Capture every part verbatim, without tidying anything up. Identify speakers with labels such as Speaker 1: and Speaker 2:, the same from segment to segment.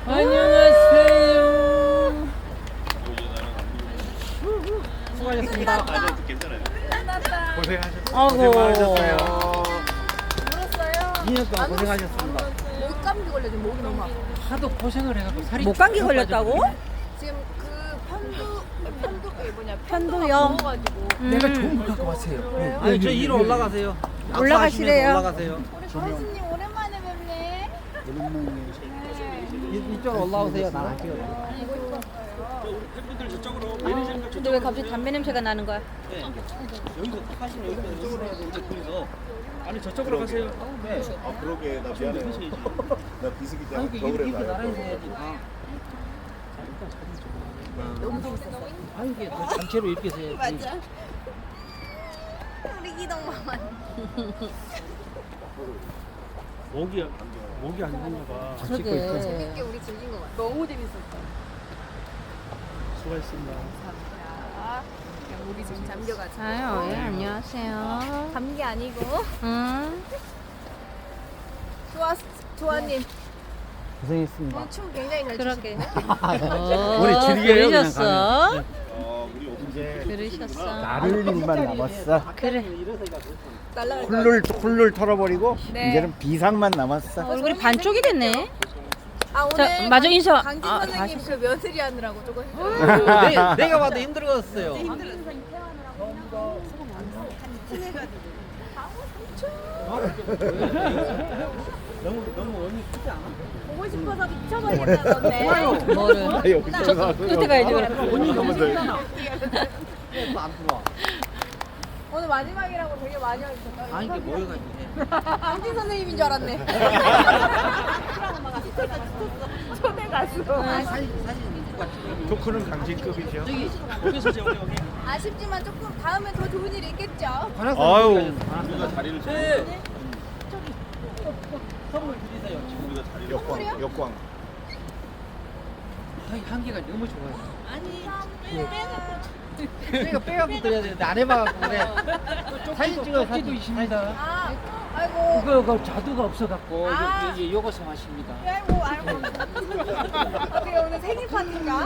Speaker 1: 안녕하세요.
Speaker 2: 수고하셨습니다.
Speaker 3: 아니요, 괜찮아요.
Speaker 2: 고생하셨습니다.
Speaker 1: 아이고.
Speaker 2: 고생 많으셨어요.
Speaker 4: 울었어요?
Speaker 2: 이 년 동안 고생하셨습니다.
Speaker 4: 목감기 걸려 지금 목이 너무 아파.
Speaker 1: 하도 고생을 해갖고 살이
Speaker 5: 목감기
Speaker 1: 쭉
Speaker 5: 걸렸다고?
Speaker 1: 빠져버리네.
Speaker 4: 지금 그 편두 편두 그 뭐냐
Speaker 5: 편두염.
Speaker 4: 먹어가지고
Speaker 2: 내가 좋은 거 갖고 왔어요.
Speaker 4: 그래요?
Speaker 2: 아니, 저 위로 올라가세요.
Speaker 5: 올라가시래요.
Speaker 2: 올라가세요.
Speaker 4: 우리 고수님 오랜만에 뵙네.
Speaker 2: 이, 이쪽으로 올라오세요. 나안 찍어.
Speaker 5: 근데 왜 갑자기 담배 냄새가 나는 거야?
Speaker 2: 여기서 하시면 여기서 이쪽으로 해야 되는데 둘이서. 아니 저쪽으로 가세요. 네.
Speaker 3: 아, 그러게. 나 미안해. 나 비수기
Speaker 2: 아니
Speaker 3: 때문에
Speaker 2: 그
Speaker 3: 겨울에
Speaker 2: 이렇게
Speaker 3: 가요.
Speaker 2: 나란히 해야지. 아.
Speaker 4: 너무 재밌었어.
Speaker 2: 아 이게 더 단체로 이렇게 해야지.
Speaker 4: 맞아. 우리 기동마만.
Speaker 2: 목이 목이 안 좋나 봐.
Speaker 5: 그러게.
Speaker 4: 재밌게 우리 즐긴 것 같아. 너무 재밌었어.
Speaker 2: 수고하셨습니다.
Speaker 4: 자, 그냥 우리 지금 잠겨가지고.
Speaker 5: 아유, 예, 안녕하세요.
Speaker 4: 감기 아니고.
Speaker 5: 응.
Speaker 4: 좋아, 조아님.
Speaker 2: 고생했습니다.
Speaker 4: 오늘 춤 굉장히 잘
Speaker 5: 그러게.
Speaker 4: 추시네.
Speaker 5: 어,
Speaker 2: 우리 즐겨요, 그냥
Speaker 5: 그러셨어?
Speaker 3: 어, 우리
Speaker 2: 이제
Speaker 5: 그러셨어?
Speaker 6: 나를 일만 남았어.
Speaker 5: 그래.
Speaker 4: 날라갈 거.
Speaker 6: 훌룰 훌룰 털어버리고
Speaker 4: 네.
Speaker 6: 이제는 비상만 남았어.
Speaker 5: 얼굴이 반쪽이 됐네.
Speaker 4: 아 오늘
Speaker 5: 자, 마저 인사.
Speaker 4: 강진
Speaker 5: 아,
Speaker 4: 선생님 그 며느리 하느라고 조금 힘들어요.
Speaker 2: 내가, 내가 봐도 힘들었어요. 너무 너무 원이 크지 않아?
Speaker 4: 보고 싶어서 미쳐버리겠다던데.
Speaker 5: 뭐를?
Speaker 6: 아, 여기서
Speaker 5: 저,
Speaker 6: 나와서.
Speaker 5: 끝에 가야지, 그럼.
Speaker 2: 원이 너무
Speaker 6: 돼.
Speaker 2: 또안 들어와.
Speaker 4: 오늘 마지막이라고 되게 많이 하셨어요.
Speaker 2: 아 이게 모여가지고.
Speaker 4: 강진 선생님인 줄 알았네. 초대 가수.
Speaker 2: 사진 사진 누가 찍어?
Speaker 6: 토크는 강진급이죠.
Speaker 2: 저기 여기서 저 여기.
Speaker 4: 아쉽지만 조금 다음에 더 좋은 일이 있겠죠.
Speaker 6: 아유.
Speaker 3: 우리가 자리를 좀
Speaker 2: 네. 선물 드리세요.
Speaker 3: 우리가 자리를
Speaker 6: 역광 역광.
Speaker 2: 아이 한계가 너무 좋아요. 내가 빼갖고 드려야 되는데 안 해봐갖고 그래. 사진 찍어 사진도 있습니다.
Speaker 4: 아, 아이고.
Speaker 2: 그거 그 자두가 없어갖고
Speaker 4: 아.
Speaker 2: 여기 요거서 마십니다.
Speaker 4: 아이고, 아이고. 어떻게 오늘 생일 파티인가?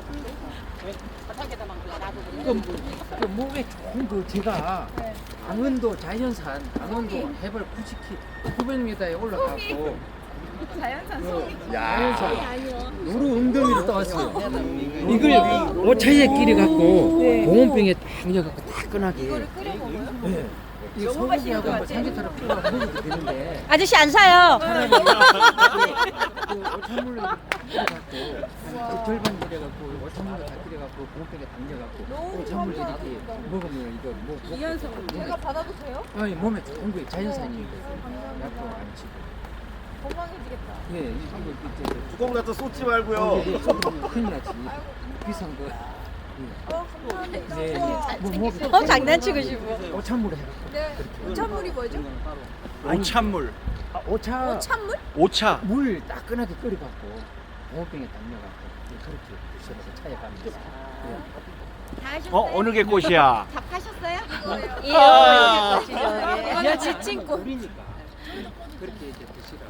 Speaker 2: 그, 그 목에 좋은 그 제가
Speaker 4: 네.
Speaker 2: 강원도 자연산 강원도 해발 구십 킬로미터 구백 미터에 올라가고
Speaker 4: 자연산
Speaker 2: 그
Speaker 6: 야.
Speaker 2: 자연산 노루 웅덩이를 떠왔어요. 이걸 오차이에 끼려 갖고 보온병에 딱 넣어갖고 따끈하게.
Speaker 4: 이거를 끓여 먹어요?
Speaker 2: 네. 이거 소고기하고 뭐 삼계탕을 풀어 먹어도 되는데
Speaker 5: 아저씨 안 사요.
Speaker 2: 그 오찬물로 끓여갖고 그 절반 끓여갖고 오찬물로 다 끓여갖고 보온병에 담겨갖고
Speaker 4: 너무
Speaker 2: 오찬물
Speaker 4: 감사합니다.
Speaker 2: 이렇게 먹으면 이거 뭐
Speaker 4: 이연속 제가 받아도 돼요?
Speaker 2: 아니 몸에 좋은 거예요. 자연산이니까 약도 안 치고.
Speaker 4: 건강해지겠다.
Speaker 2: 예, 이거 이제
Speaker 3: 뚜껑 갖다 쏟지
Speaker 2: 어,
Speaker 3: 말고요.
Speaker 2: 이게 쏟으면 큰일 나지. 비싼 거.
Speaker 4: 어, 감사합니다.
Speaker 2: 네, 뭐, 뭐,
Speaker 5: 어, 장난치고 싶어.
Speaker 2: 오찬물에 해갖고.
Speaker 4: 네. 오찬물이 뭐죠?
Speaker 6: 오찬물.
Speaker 2: 아, 오차.
Speaker 4: 오찬물?
Speaker 6: 오차.
Speaker 2: 물 따끈하게 끓여갖고 보온병에 담겨갖고 예, 그렇게 드셔서 차에 가면서. 예.
Speaker 4: 다 하셨어요?
Speaker 6: 어 어느 게 꽃이야?
Speaker 4: 다 파셨어요? 이거예요.
Speaker 5: 예,
Speaker 6: 아.
Speaker 5: 이렇게 거시죠. 예.
Speaker 4: 이거는 지친 꽃.
Speaker 2: 우리니까 그렇게 이제 드시라고.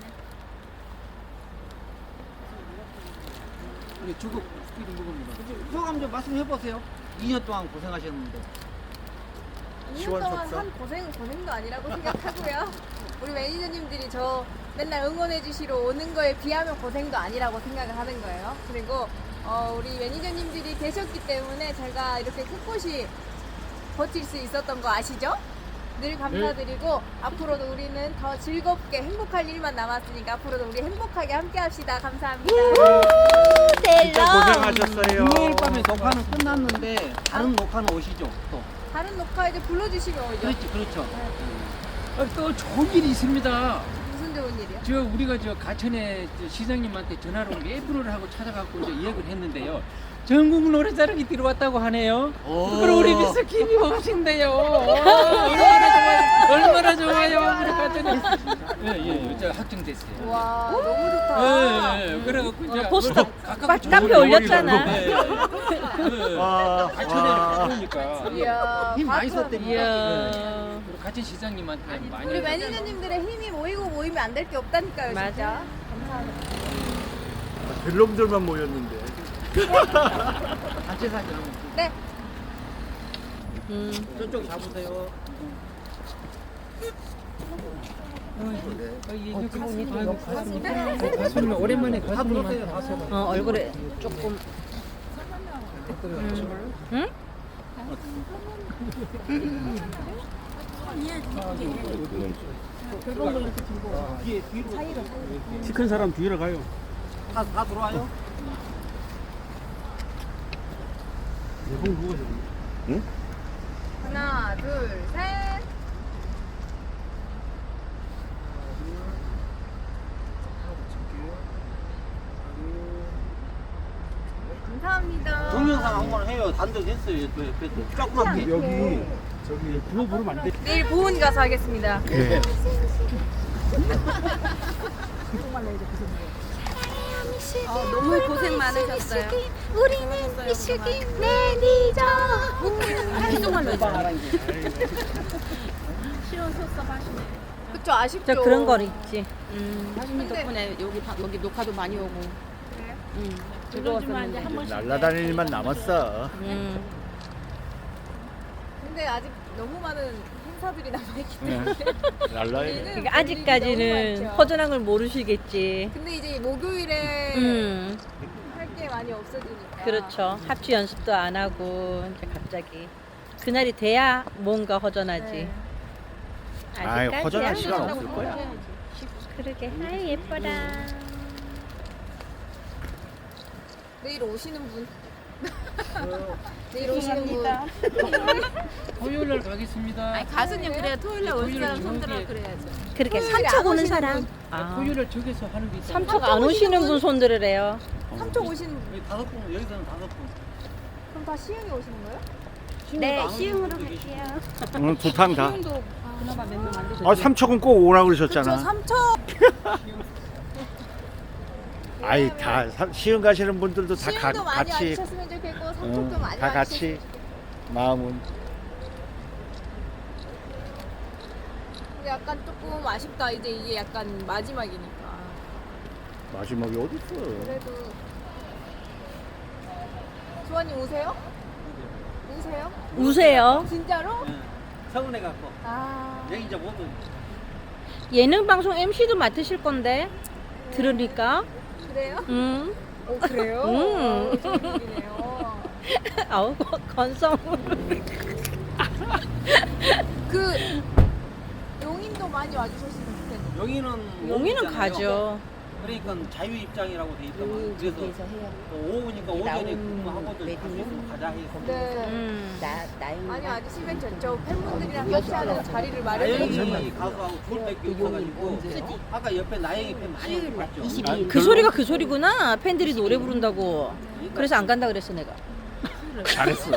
Speaker 2: 이게 주걱 끼리 먹습니다. 소감 좀 말씀해 보세요. 이 년 동안 고생하셨는데.
Speaker 4: 이 년 동안 한 고생은 고생도 아니라고 생각하고요. 우리 매니저님들이 저 맨날 응원해 주시러 오는 거에 비하면 고생도 아니라고 생각을 하는 거예요. 그리고 어, 우리 매니저님들이 계셨기 때문에 제가 이렇게 꿋꿋이 버틸 수 있었던 거 아시죠? 늘 감사드리고 앞으로도 우리는 더 즐겁게 행복할 일만 남았으니까 앞으로도 우리 행복하게 함께 합시다. 감사합니다.
Speaker 6: 진짜 고생하셨어요.
Speaker 2: 금요일 밤에 녹화는 끝났는데 다른 녹화는 오시죠? 또.
Speaker 4: 다른 녹화 이제 불러주시면 오죠.
Speaker 2: 그렇죠, 그렇죠. 어, 또 좋은 일이 있습니다.
Speaker 4: 무슨 좋은 일이요?
Speaker 2: 저 우리가 저 가천에 저 시장님한테 전화로 온 게 애플을 하고 찾아갖고 이제 예약을 했는데요. 전국 노래자랑이 들어왔다고 하네요. 그럼 우리 미스킴이 오신대요. 얼마나 좋아요. 얼마나 좋아요. 우리 가천에. 예, 예, 저 확정됐어요.
Speaker 4: 와 너무 좋다.
Speaker 2: 예, 예, 그래갖고 이제
Speaker 5: 어, 포스터
Speaker 2: 가깝게
Speaker 5: 카-
Speaker 2: 좀
Speaker 5: 카페
Speaker 2: 올리고
Speaker 5: 올렸잖아.
Speaker 2: 예, 예.
Speaker 6: 와.
Speaker 2: 가천에
Speaker 6: 와.
Speaker 2: 가까우니까
Speaker 4: 이야,
Speaker 2: 힘 많이
Speaker 4: 가천.
Speaker 2: 썼답니다.
Speaker 5: 이야.
Speaker 2: 예. 그리고 가천 시장님한테 많이
Speaker 4: 우리 매니저님들의 힘이 모이고 모이면 안 될 게 없다니까요,
Speaker 5: 맞아.
Speaker 4: 진짜. 감사합니다.
Speaker 6: 별놈들만 모였는데.
Speaker 2: 단체 사진 한번
Speaker 4: 네.
Speaker 5: 음.
Speaker 2: 저쪽 잡으세요. 가수님 오랜만에 가수님한테
Speaker 5: 어, 얼굴에 조금. 음. 응?
Speaker 6: 키 큰 사람 뒤로 가요.
Speaker 2: 다, 다 들어와요?
Speaker 3: 응?
Speaker 4: 하나, 둘, 셋. 감사합니다.
Speaker 2: 동영상 한 번 해요. 단독 했어요. 옆에 조그맣게.
Speaker 6: 여기 저기 부어 부르면 안 돼.
Speaker 4: 내일 보은 가서 하겠습니다.
Speaker 6: 그래.
Speaker 4: 어, 너무 고생 많으셨어요.
Speaker 5: 우리는 미식이 매니저.
Speaker 4: 한국말로 해줘. 그쵸, 아쉽죠.
Speaker 5: 저 그런 거 있지. 음.
Speaker 7: 사장님
Speaker 4: 근데-
Speaker 7: 덕분에 여기 바- 여기 녹화도 많이 오고.
Speaker 4: 그래요?
Speaker 7: 응. 즐거웠었는데.
Speaker 6: 날라다닐 일만 남았어.
Speaker 5: 음.
Speaker 4: 근데 아직 너무 많은 행사들이 남아있기 때문에.
Speaker 6: 날라야 돼.
Speaker 4: 우리는
Speaker 5: 그러니까
Speaker 4: 볼 일이
Speaker 5: 아직까지는
Speaker 4: 너무 많죠.
Speaker 5: 허전한 걸 모르시겠지.
Speaker 4: 근데 이제 목요일에
Speaker 5: 음.
Speaker 4: 할 게 많이 없어지니까.
Speaker 5: 그렇죠. 합주 연습도 안 하고 이제 갑자기 그날이 돼야 뭔가 허전하지.
Speaker 4: 네.
Speaker 6: 아이,
Speaker 5: 아직까지야.
Speaker 6: 허전할 시간 없을 거야.
Speaker 5: 그러게. 아이 예뻐라.
Speaker 4: 내일 오시는 분. 내일 오시는 분.
Speaker 2: 토요일 날 가겠습니다.
Speaker 7: 아니 가수님 그래 토요일 날 올
Speaker 2: 토요일은
Speaker 7: 사람 손들어
Speaker 2: 저기-
Speaker 7: 그래야죠.
Speaker 5: 그렇게
Speaker 4: 토요일에
Speaker 5: 삼척
Speaker 4: 안
Speaker 5: 오는
Speaker 4: 오시는
Speaker 5: 사람.
Speaker 4: 분.
Speaker 5: 아.
Speaker 2: 토요일 날 저기서 하는 게 있어요.
Speaker 5: 삼척 안 오시는 분 손들으래요.
Speaker 4: 삼척 오시는 분.
Speaker 2: 여기 다섯 분, 여기서는 다섯 분.
Speaker 4: 그럼 다 시흥에 오시는 거예요?
Speaker 5: 네, 시흥으로 갈게요.
Speaker 6: 오늘 두탕 다.
Speaker 7: 도 그나마 몇 명 안 되셨죠.
Speaker 6: 아 삼척은 꼭 오라
Speaker 4: 저
Speaker 6: 그러셨잖아.
Speaker 4: 삼척.
Speaker 6: 아이 다 사- 시흥 가시는 분들도 다 가,
Speaker 4: 시흥도 많이
Speaker 6: 같이
Speaker 4: 와주셨으면 좋겠고 삼척도
Speaker 6: 응,
Speaker 4: 많이
Speaker 6: 다 같이
Speaker 4: 와주셨으면
Speaker 6: 마음은.
Speaker 4: 근데 약간 조금 아쉽다. 이제 이게 약간 마지막이니까.
Speaker 6: 마지막이 어디 있어?
Speaker 4: 그래도 주원님 오세요? 오세요?
Speaker 5: 우세요.
Speaker 4: 진짜로?
Speaker 2: 서운해 갖고
Speaker 4: 아
Speaker 2: 여기 이제 모두
Speaker 5: 예능 방송 엠시도 맡으실 건데 들으니까.
Speaker 4: 그래요?
Speaker 5: 음.
Speaker 4: 오 그래요?
Speaker 5: 음.
Speaker 4: 오, 좋은 일이네요.
Speaker 5: 아우 건성.
Speaker 4: 그 용인도 많이 와주셨으면 좋겠는데.
Speaker 2: 여기는
Speaker 5: 용인은
Speaker 2: 오후잖아요.
Speaker 5: 가죠.
Speaker 2: 그러니까 자유 입장이라고 돼 있더만. 그래서 또 오후니까 오전에 근무하고들 갈수 있으면 가자 해서.
Speaker 4: 네.
Speaker 5: 음.
Speaker 4: 많이 와주시면 좋죠. 팬분들이랑 같이 하는 자리를 마련해 주셨어요.
Speaker 2: 나영이 가수하고 둘 밖에 없어가지고 아까 옆에 나영이 팬 많이 봤죠.
Speaker 5: 그 소리가 그 소리구나. 팬들이 노래 부른다고. 그래서 안 간다 그랬어 내가.
Speaker 6: 잘했어.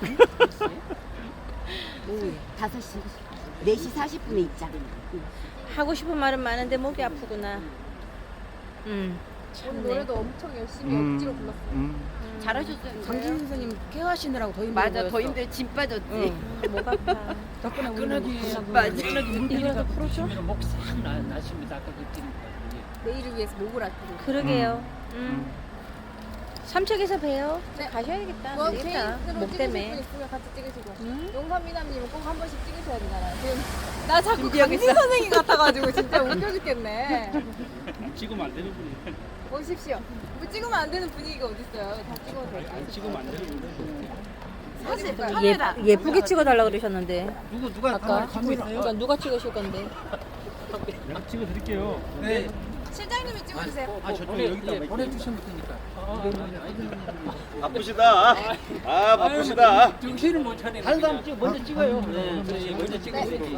Speaker 7: 다섯 시, 네 시 사십 분에 입장.
Speaker 5: 하고 싶은 말은 많은데 목이 아프구나. 음.
Speaker 4: 오늘 노래도 엄청 열심히
Speaker 6: 음,
Speaker 4: 억지로 불렀어요.
Speaker 6: 음.
Speaker 7: 잘하셨어요.
Speaker 5: 장진 선생님 케어하시느라고 더 힘들어
Speaker 7: 맞아 더 힘들 짐 빠졌지.
Speaker 5: 응. 목 아파.
Speaker 7: 덕분에 우리
Speaker 2: 끈하기
Speaker 7: 맞아.
Speaker 2: 끈하기 물기가 풀어주면 목싹 나십니다. 아까 그 팀.
Speaker 4: 내일을 위해서 목을 아끼고.
Speaker 5: 그러게요. 음. 삼척에서 봬요.
Speaker 4: 네.
Speaker 5: 가셔야겠다.
Speaker 4: 뭐
Speaker 5: 안 되겠다.
Speaker 4: 개인으로
Speaker 5: 목
Speaker 4: 찍으실 분
Speaker 5: 때문에.
Speaker 4: 있으면 같이 찍으시고.
Speaker 5: 음.
Speaker 4: 용산미남님은 꼭 한 번씩 찍으셔야 되잖아요. 지금 나 자꾸 강진 선생님 같아가지고 진짜 웃겨 죽겠네.
Speaker 3: 찍으면 안 되는 분이.
Speaker 4: 오십시오. 뭐 찍으면 안 되는 분위기가 어딨어요. 다 찍어도 돼요.
Speaker 3: 찍으면 안 되는 분이.
Speaker 4: 사실
Speaker 5: 예, 예쁘게 찍어달라 그러셨는데.
Speaker 2: 누구 누가
Speaker 5: 아까
Speaker 2: 카메라 갖고 있어요?
Speaker 5: 그러니까 누가 찍으실 건데?
Speaker 3: 내가 찍어드릴게요.
Speaker 2: 네.
Speaker 4: 실장님이 찍어주세요.
Speaker 2: 아 저쪽에 여기다 보내주시면 되니까.
Speaker 3: 바쁘시다. 아 바쁘시다.
Speaker 2: 정신을 못 차리네. 다른 사람 찍 먼저 찍어요. 네, 그렇지. 먼저 찍어야지.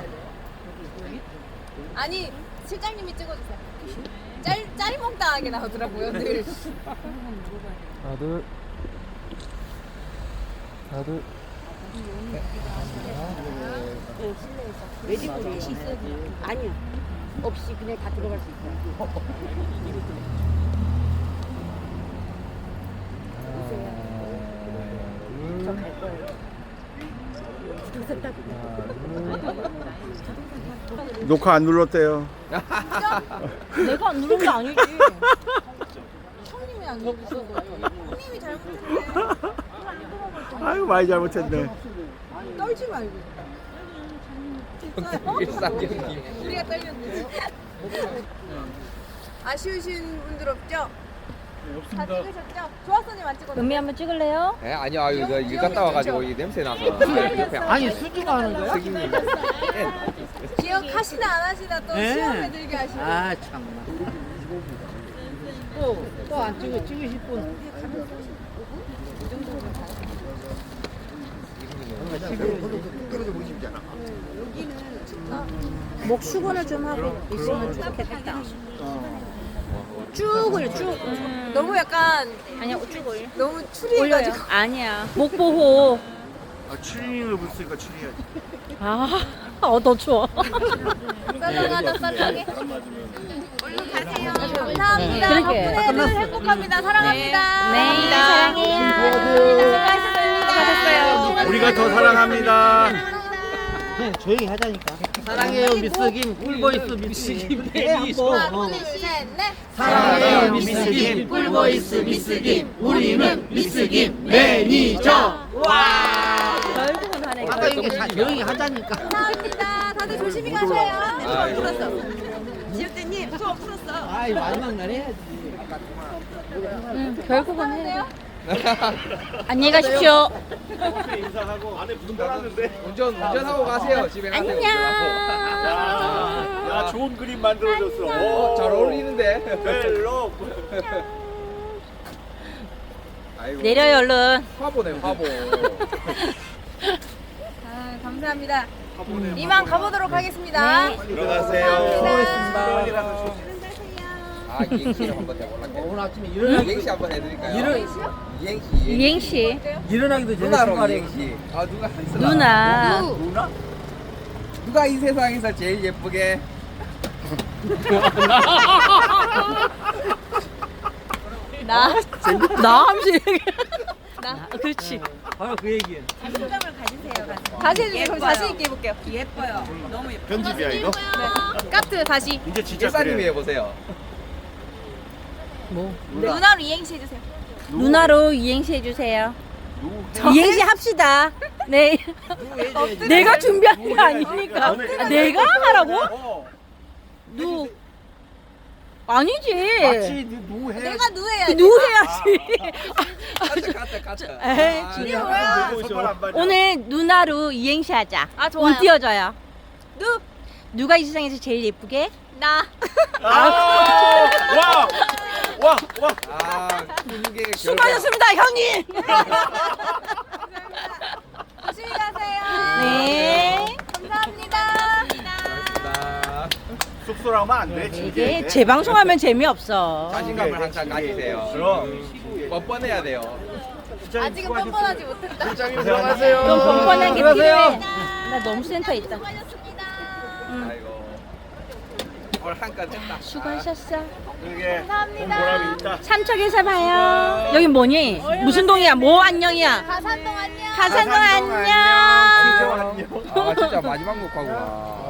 Speaker 4: 아니 실장님이 찍어주세요. 짤 짤먹당하게 나오더라고요 늘.
Speaker 1: 하나 둘 하나 둘
Speaker 7: 외지불이 아니요. 없이 그냥 다 들어갈 수 있어요. 저 갈 거예요. 부동산 따고.
Speaker 6: 녹화 안 눌렀대요.
Speaker 5: 내가 안 누른 게 아니지.
Speaker 4: 형님이 잘못했네.
Speaker 6: 아유 많이 잘못했네.
Speaker 4: 떨지 말고. 우리가 떨렸네. 아쉬우신 분들 없죠? 다 찍으셨죠? 좋았어님 안 찍었나요?
Speaker 5: 은미 한번 찍을래요?
Speaker 8: 예, 아니요, 아유, 이거 일 갔다 와가지고 이 냄새 나서. 아니, 수주가 하는 거야? 승희님.
Speaker 4: 기억하시나 안 하시나 또 시험에 들게 하시고.
Speaker 2: 아 참나. 또또 안 찍어 찍으실 분.
Speaker 5: 목 수건을 좀 하고 있으면 좋겠다. 쭉을 쭉. 음.
Speaker 4: 너무 약간
Speaker 5: 아니야 쭉을.
Speaker 4: 너무
Speaker 5: 올려요.
Speaker 4: 추리해가지고.
Speaker 5: 아니야. 목 보호.
Speaker 6: 아, 추리닝을 붙으니까 추리해야지.
Speaker 5: 아, 어, 더 추워.
Speaker 4: 썰렁하다 썰렁해. 얼른 가세요. 감사합니다.
Speaker 5: 그러게.
Speaker 4: 덕분에 늘 행복합니다. 사랑합니다.
Speaker 5: 네, 사랑해요.
Speaker 4: 수고하셨습니다.
Speaker 6: 우리가 더 사랑합니다.
Speaker 2: 조용히 하자니까. 사랑해요 미스 김 꿀보이스 미스 김 매니저.
Speaker 4: 하나, 둘, 셋, 넷.
Speaker 2: 사랑해요 미스 김 꿀보이스 미스 김 우리는 미스 김 매니저.
Speaker 5: 결국은 하네.
Speaker 2: 아까 이게 자- 조용히 하자니까.
Speaker 4: 감사합니다. 다들 조심히 가셔요. 수업 풀었어. 지효대님 수업 풀었어.
Speaker 2: 아이 마지막 날 해야지.
Speaker 5: 음, 결국은 해요. 안녕히 가십시오.
Speaker 8: 운전, 운전하고 가세요. 집에 가세요.
Speaker 5: 안녕.
Speaker 6: 야 좋은 그림 만들어줬어.
Speaker 8: 어, 잘 어울리는데.
Speaker 6: 벨로.
Speaker 8: 아이고.
Speaker 5: 내려요 얼른.
Speaker 8: 화보네, 화보.
Speaker 4: 아, 감사합니다. 이만 가보도록 하겠습니다.
Speaker 6: 들어가세요.
Speaker 4: 수고하셨습니다.
Speaker 8: 아, 이행시를 한번 해볼게요.
Speaker 2: 오늘 아침에 일어나기
Speaker 8: 이행시 한번 해드릴까요?
Speaker 2: 일어
Speaker 8: 이행시.
Speaker 5: 이행시.
Speaker 2: 일어나기도 전에
Speaker 8: 누나로
Speaker 2: 생활해.
Speaker 8: 이행시. 아, 누가 했어?
Speaker 5: 누나.
Speaker 2: 누나?
Speaker 8: 누가 이 세상에서 제일 예쁘게?
Speaker 5: 나. 나 하면서 얘기해. 나. 그렇지.
Speaker 2: 바로 그 얘기야.
Speaker 4: 다시 해주세요. 그럼 자신 있게 해볼게요.
Speaker 6: 편집이야 이거?
Speaker 4: 네. 까트 다시.
Speaker 6: 이제 진짜
Speaker 8: 일사님이
Speaker 6: 그래.
Speaker 8: 해보세요.
Speaker 5: 뭐?
Speaker 4: 누나로 이행시 해주세요.
Speaker 5: 누나로 이행시 해주세요. 이행시 합시다. 네. 내가 준비한 게 아니니까. 아, 내가 하라고?
Speaker 8: 어.
Speaker 5: 누. 아니지.
Speaker 6: 마치 누 해.
Speaker 4: 내가 누해야지.
Speaker 5: 누 해야지.
Speaker 8: 가짜, 가짜, 가짜.
Speaker 5: 에이,
Speaker 8: 아,
Speaker 5: 진짜.
Speaker 4: 뭐야?
Speaker 6: 손발 안 받냐?
Speaker 5: 오늘 누나로 이행시 하자.
Speaker 4: 아, 좋아요.
Speaker 5: 운 띄워줘요.
Speaker 4: 누.
Speaker 5: 누가 이 세상에서 제일 예쁘게?
Speaker 4: 나.
Speaker 6: 아, 와, 와, 와.
Speaker 8: 아, 훈계의 결과.
Speaker 5: 수고하셨습니다, 형님.
Speaker 4: 조심히 가세요.
Speaker 5: 네.
Speaker 4: 감사합니다.
Speaker 8: 고맙습니다.
Speaker 6: 쑥소라면 안 돼.
Speaker 5: 이게 재방송하면 재미없어.
Speaker 8: 자신감을 항상 가지세요.
Speaker 6: 그럼.
Speaker 8: 뻔뻔해야 돼요.
Speaker 4: 아직은 뻔뻔하지 못했다.
Speaker 8: 부장님 들어가세요.
Speaker 5: 좀 뻔뻔한 게
Speaker 2: 들어가세요.
Speaker 5: 필요해. 나 너무 센터 있다.
Speaker 4: 수고하셨습니다.
Speaker 8: 아이고. 오늘 한건 했다.
Speaker 5: 수고하셨어.
Speaker 6: 그게
Speaker 4: 감사합니다.
Speaker 6: 보람이 있다.
Speaker 5: 삼척에서 봐요. 여기 뭐니? 무슨 동이야? 뭐 안녕이야?
Speaker 4: 가산동 안녕.
Speaker 5: 가산동 안녕.
Speaker 8: 아, 진짜 마지막 녹화구나.